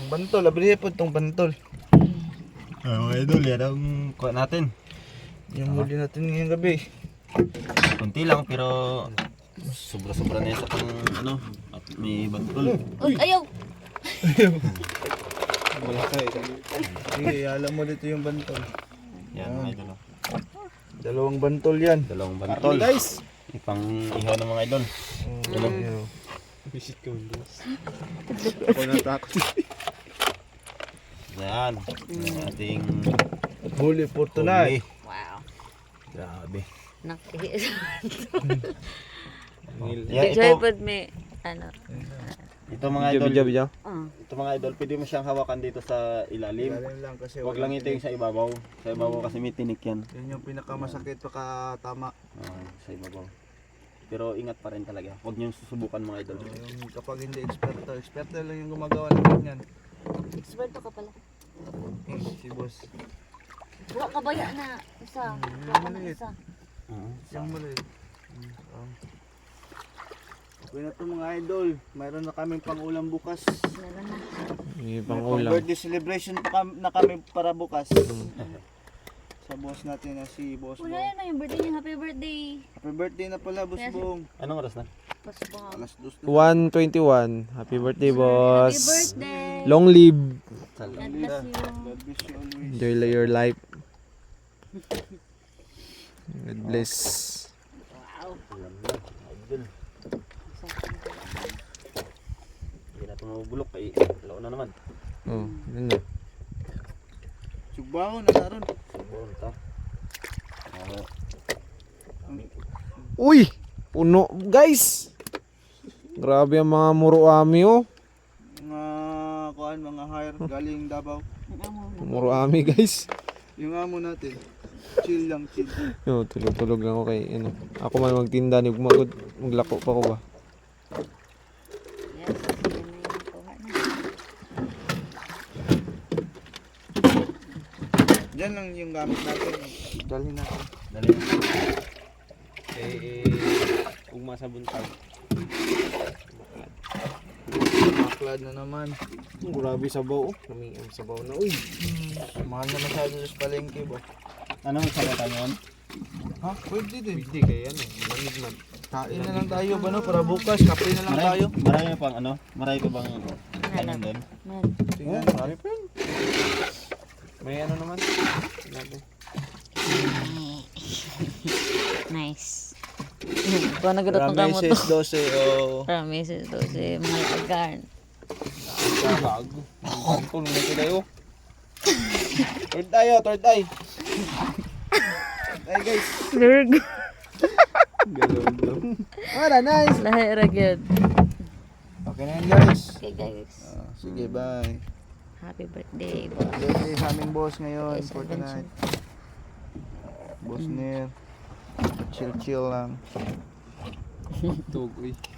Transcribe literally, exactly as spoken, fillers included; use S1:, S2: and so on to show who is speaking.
S1: Ang bantol, abrihe po itong bantol.
S2: Ah, mga idol, yan ang kuha natin.
S1: Yung huli natin ngayong gabi.
S2: Kunti lang pero sobra-sobra na yan sa pang ano, at may bantol.
S3: Uy, ayaw!
S1: Wala kayo. Sige, alam mo dito yung bantol.
S2: Yan mga idol. oh.
S1: Dalawang bantol yan.
S2: Dalawang bantol.
S1: Guys!
S2: Ipang ihaw ng mga idol.
S1: Ano? Visit ka mo, boss. Ako natakot.
S2: Yan. Ang ating
S1: Huli for tonight.
S2: huli.
S3: Wow.
S2: Grabe.
S3: Nakihis.
S2: Yan, ito,
S3: Joypod may, ano.
S2: ito mga idol.
S3: Uh.
S2: Ito mga idol, pwede mo siyang hawakan dito sa ilalim.
S1: Galing lang kasi
S2: Huwag lang ito yung sa ibabaw. Sa ibabaw kasi may tinik yan.
S1: Yan yung pinakamasakit pagka tama.
S2: Ah, sa ibabaw. Pero ingat pa rin talaga. Huwag niyong susubukan mga idol.
S1: Yung kapag hindi eksperto, eksperto lang yung gumagawa ng ganyan.
S3: Experto ka pala.
S1: Eh, si boss.
S3: Wala ka baya na isa.
S1: Hmm,
S3: Wala ka na
S1: maliit.
S3: isa.
S2: Ah,
S1: Siyang maliit. Um, okay na ito mga idol. Mayroon na kaming pang-ulam bukas.
S3: Meron na.
S4: May
S1: May
S4: pang-ulam.
S1: birthday celebration pa kam- na kami para bukas. Sa boss natin na si Boss
S3: Wala
S1: Bong.
S3: yan na yung birthday niya. Happy birthday.
S1: Happy birthday na pala, Boss
S3: Yes.
S1: Bong.
S2: Anong oras na?
S3: Pasok.
S1: Alas dos na.
S4: one twenty-one. Happy birthday, boss.
S3: Happy birthday.
S4: Long live.
S3: God bless you.
S1: God bless you always.
S4: Enjoy your life. God bless.
S3: Wow.
S2: Alam na. Idol. Hindi na ito mabubulok. Ay, alaw na naman.
S4: Oh, yun na.
S1: Sugbaho na naroon.
S2: Siguro ito. Ah,
S4: Uy! Puno, guys! Grabe ang mga muruami, oh.
S1: Mga kuan, mga hire galing Davao.
S4: Muruami, guys.
S1: Yung amo natin. Chill lang, chill.
S4: Yo, tulog-tulog lang ako kay, ano. Ako man magtinda, ni magod, maglako pa ko ba?
S3: Yes. Yan na yung kuha na.
S1: Diyan lang yung gamit natin. Dalhin natin.
S2: dali.
S4: Eh, ugma sa buntag.
S1: Maklad na naman.
S4: Grabe sabaw, oh. Kami ang sabaw na, uy.
S1: Mahal na masyado sa palengke ba?
S2: Ano ang salata niyon?
S1: Ha? Pwede din.
S4: Pwede kaya, ano, malamig man.
S1: Kain na lang tayo ba no? Para bukas, kape na lang tayo.
S2: Marami, marami pang ano? Marami pa bang kanin doon?
S3: Man.
S1: Tingnan.
S4: Marami pa yun. May ano naman? Sinabi.
S3: Nice. Kung nagadot ng kamot to.
S1: Rameses dose o...
S3: Promises to si Mahal Agarn.
S4: Gago. Ang tulong na sila, oh.
S1: Third eye oh, third eye. Ay guys.
S3: Virgo.
S1: Galon lang. Wala, nice.
S3: Lahi ragyod.
S1: Okay na yan guys.
S3: Okay guys.
S1: Ah, sige, bye.
S3: Happy birthday, boss.
S1: Birthday sa aming boss ngayon
S3: Yes,
S1: for
S3: adventure.
S1: tonight. Boss Nir. Chill chill lang.
S4: Tugoy.